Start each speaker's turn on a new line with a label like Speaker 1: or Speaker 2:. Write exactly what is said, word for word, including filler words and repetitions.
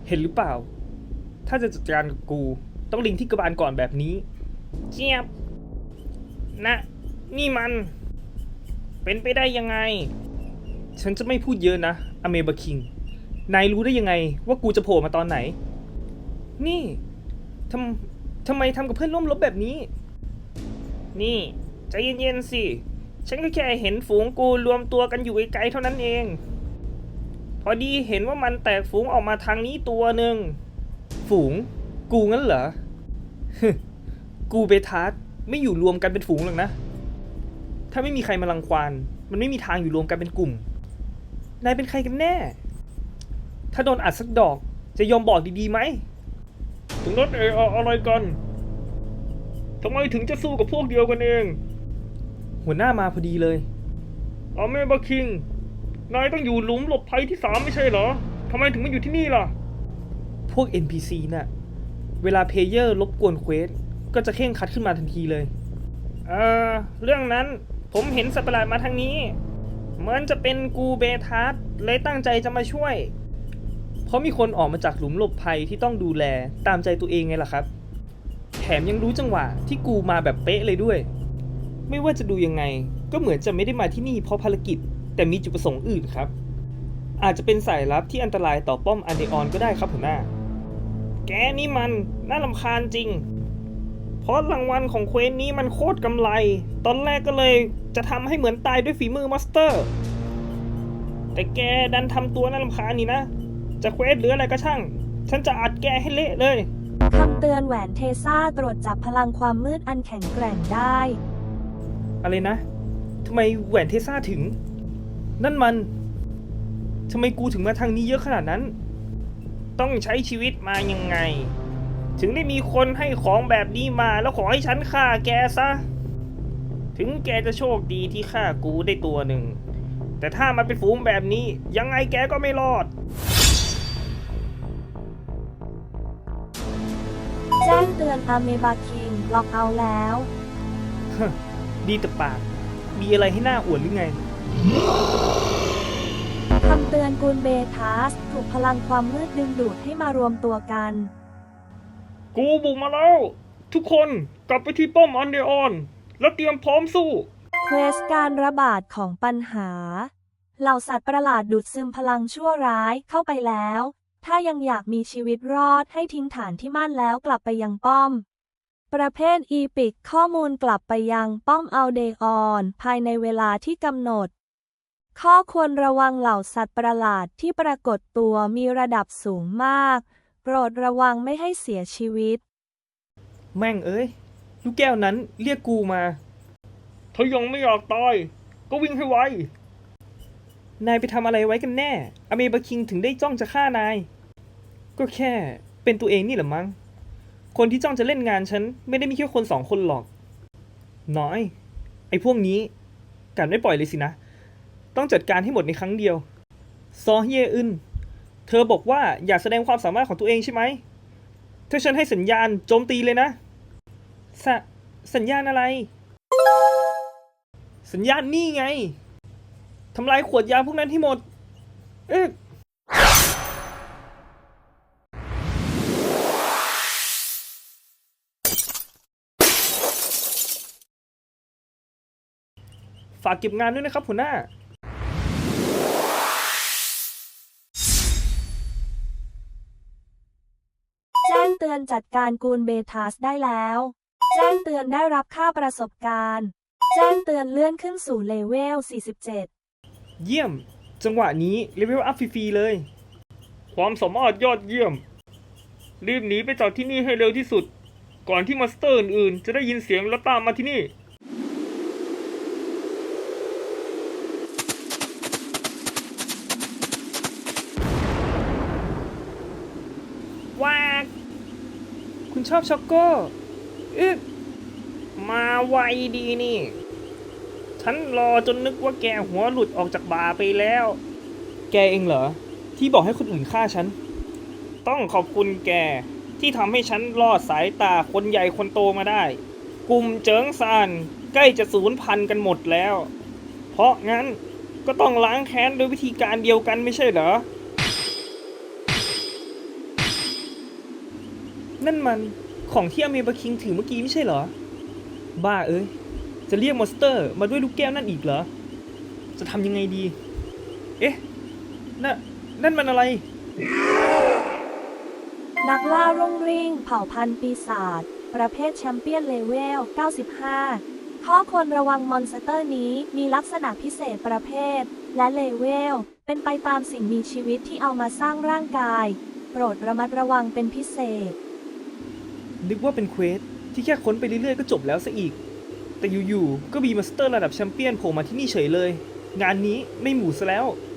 Speaker 1: เห็นหรือเปล่าถ้าจะจัดการกับกูต้องลิงที่กระบาลก่อนแบบนี้เจี๊ยบนะนี่มันเป็นไปได้ยังไงฉันจะไม่พูดเยอะนะอเมบะคิงนายรู้ได้ยังไงว่ากูจะโผล่มาตอนไหนนี่ทำทำไมทำกับเพื่อนร่วมรบแบบนี้นี่ใจเย็นๆสิฉันก็แค่เห็นฝูงกูรวมตัวกันอยู่ไกลๆเท่านั้นเองพอดีเห็นว่ามันแตกฝูงออกมาทางนี้ตัวหนึ่งฝูงกูงั้นเหรอ กูเบทาร์ไม่อยู่รวมกันเป็นฝูงหรอกนะถ้าไม่มีใครมารังควานมันไม่มีทางอยู่รวมกันเป็นกลุ่มนายเป็นใครกันแน่ถ้าโดนอัดสักดอกจะยอมบอกดีๆไหมถึงนั้นเอออะไรกันทำไมถึงจะสู้กับพวกเดียวกันเองหัวหน้ามาพอดีเลยอาเมบะคิงนายต้องอยู่หลุมหลบภัยที่สามไม่ใช่เหรอทำไมถึงมาอยู่ที่นี่ล่ะพวก เอ็น พี ซี น่ะเวลาเพลเยอร์รบกวนเควสก็จะเข่งคัดขึ้นมาทันทีเลยเออเรื่องนั้นผมเห็นสัตว์ประหลาดมาทางนี้เหมือนจะเป็นกูเบทาร์เลยตั้งใจจะมาช่วยเพราะมีคนออกมาจากหลุมหลบภัยที่ต้องดูแลตามใจตัวเองไงล่ะครับแถมยังรู้จังหวะที่กูมาแบบเป๊ะเลยด้วยไม่ว่าจะดูยังไงก็เหมือนจะไม่ได้มาที่นี่เพราะภารกิจแต่มีจุดประสงค์อื่นครับอาจจะเป็นสายลับที่อันตรายต่อป้อมอันเดออนก็ได้ครับหัวหน้าแกนี่มันน่ารำคาญจริงเพราะรางวัลของเควสนี้มันโคตรกำไรตอนแรกก็เลยจะทำให้เหมือนตายด้วยฝีมือมาสเตอร์แต่แกดันทำตัวน่ารำคาญนี่นะจะเควสหรืออะไรก็ช่างฉันจะอัดแกให้เละเลย
Speaker 2: คำเตือนแหวนเทซ่าตรวจจับพลังความมืดอันแข็งแกร่งได้
Speaker 1: อะไรนะทำไมแหวนเทซ่าถึงนั่นมันทำไมกูถึงมาทางนี้เยอะขนาดนั้นต้องใช้ชีวิตมายังไงถึงได้มีคนให้ของแบบนี้มาแล้วขอให้ฉันฆ่าแกซะถึงแกจะโชคดีที่ฆ่ากูได้ตัวหนึ่งแต่ถ้ามันเป็นฝูงแบบนี้ยังไงแกก็ไม่รอด
Speaker 2: แจ้งเตือนอาเมบาคิงล็อกเอาแล้ว
Speaker 1: ดีแต่ปากมีอะไรให้หน้าอวดหรือไง
Speaker 2: คำเตือนกูลเบทัสถูกพลังความมืดดึงดูดให้มารวมตัวกัน
Speaker 1: กูบุกมาแล้วทุกคนกลับไปที่ป้อมอันเดออนแล้วเตรียมพร้อมสู้
Speaker 2: เควสการระบาดของปัญหาเหล่าสัตว์ประหลาดดูดซึมพลังชั่วร้ายเข้าไปแล้วถ้ายังอยากมีชีวิตรอดให้ทิ้งฐานที่มั่นแล้วกลับไปยังป้อมประเภทอีพิกข้อมูลกลับไปยังป้อมอัลเดออนภายในเวลาที่กำหนดข้อควรระวังเหล่าสัตว์ประหลาดที่ปรากฏตัวมีระดับสูงมากโปรดระวังไม่ให้เสียชีวิต
Speaker 1: แม่งเอ้ยลูกแก้วนั้นเรียกกูมาถ้ายังไม่อยากตายก็วิ่งให้ไวนายไปทำอะไรไว้กันแน่อเมบะคิงถึงได้จ้องจะฆ่านายก็แค่เป็นตัวเองนี่แหละมั้งคนที่จ้องจะเล่นงานฉันไม่ได้มีแค่คนสองคนหรอกน้อยไอ้พวกนี้กัดไม่ปล่อยเลยสินะต้องจัดการให้หมดในครั้งเดียวซอเฮียอึนเธอบอกว่าอยากแสดงความสามารถของตัวเองใช่ไหมถ้าฉันให้สัญญาณโจมตีเลยนะสสัญญาณอะไรสัญญาณนี่ไงทำลายขวดยาพวกนั้นให้หมดเอ๊ะฝากเก็บงานด้วยนะครับหัวหน้า
Speaker 2: แจ้งเตือนจัดการกูลเบทัสได้แล้วแจ้งเตือนได้รับค่าประสบการณ์แจ้งเตือนเลื่อนขึ้นสู่เลเวลสี่สิบเจ็ด
Speaker 1: เยี่ยมจังหวะนี้เลเวลอัพฟรีๆเลยความสามารถยอดเยี่ยมรีบหนีไปจากที่นี่ให้เร็วที่สุดก่อนที่มอนสเตอร์อื่นๆจะได้ยินเสียงแล้วตามมาที่นี่ว้าคุณชอบช็อกโก้อึ๊บมาไวดีนี่ฉันรอจนนึกว่าแกหัวหลุดออกจากบาไปแล้วแกเองเหรอที่บอกให้คนอื่นฆ่าฉันต้องขอบคุณแกที่ทำให้ฉันรอดสายตาคนใหญ่คนโตมาได้กลุ่มเจิงซานใกล้จะสูญพันธุ์กันหมดแล้วเพราะงั้นก็ต้องล้างแค้นโดยวิธีการเดียวกันไม่ใช่เหรอนั่นมันของที่อเมบาคิงถือเมื่อกี้ไม่ใช่เหรอ บ้าเอ้ย จะเรียกมอนสเตอร์มาด้วยลูกแก้วนั่นอีกเหรอ จะทำยังไงดี เอ๊ะน่ะนั่นมันอะไร
Speaker 2: นักล่ารุ่งริ่งเผ่าพันธุ์ปีศาจประเภทแชมเปี้ยนเลเวล เก้าสิบห้า ข้อควรระวังมอนสเตอร์นี้มีลักษณะพิเศษประเภท และเลเวล เป็นไปตามสิ่งมีชีวิตที่เอามาสร้างร่างกาย โปรดระมัดระวังเป็นพิเศษ
Speaker 1: นึกว่าเป็นเควสที่แค่ค้นไปเรื่อยๆก็จบแล้วซะอีก แต่อยู่ๆก็มีมอนสเตอร์ระดับแชมเปี้ยนโผล่มาที่นี่เฉยเลย งานนี้ไม่หมูซะแล้ว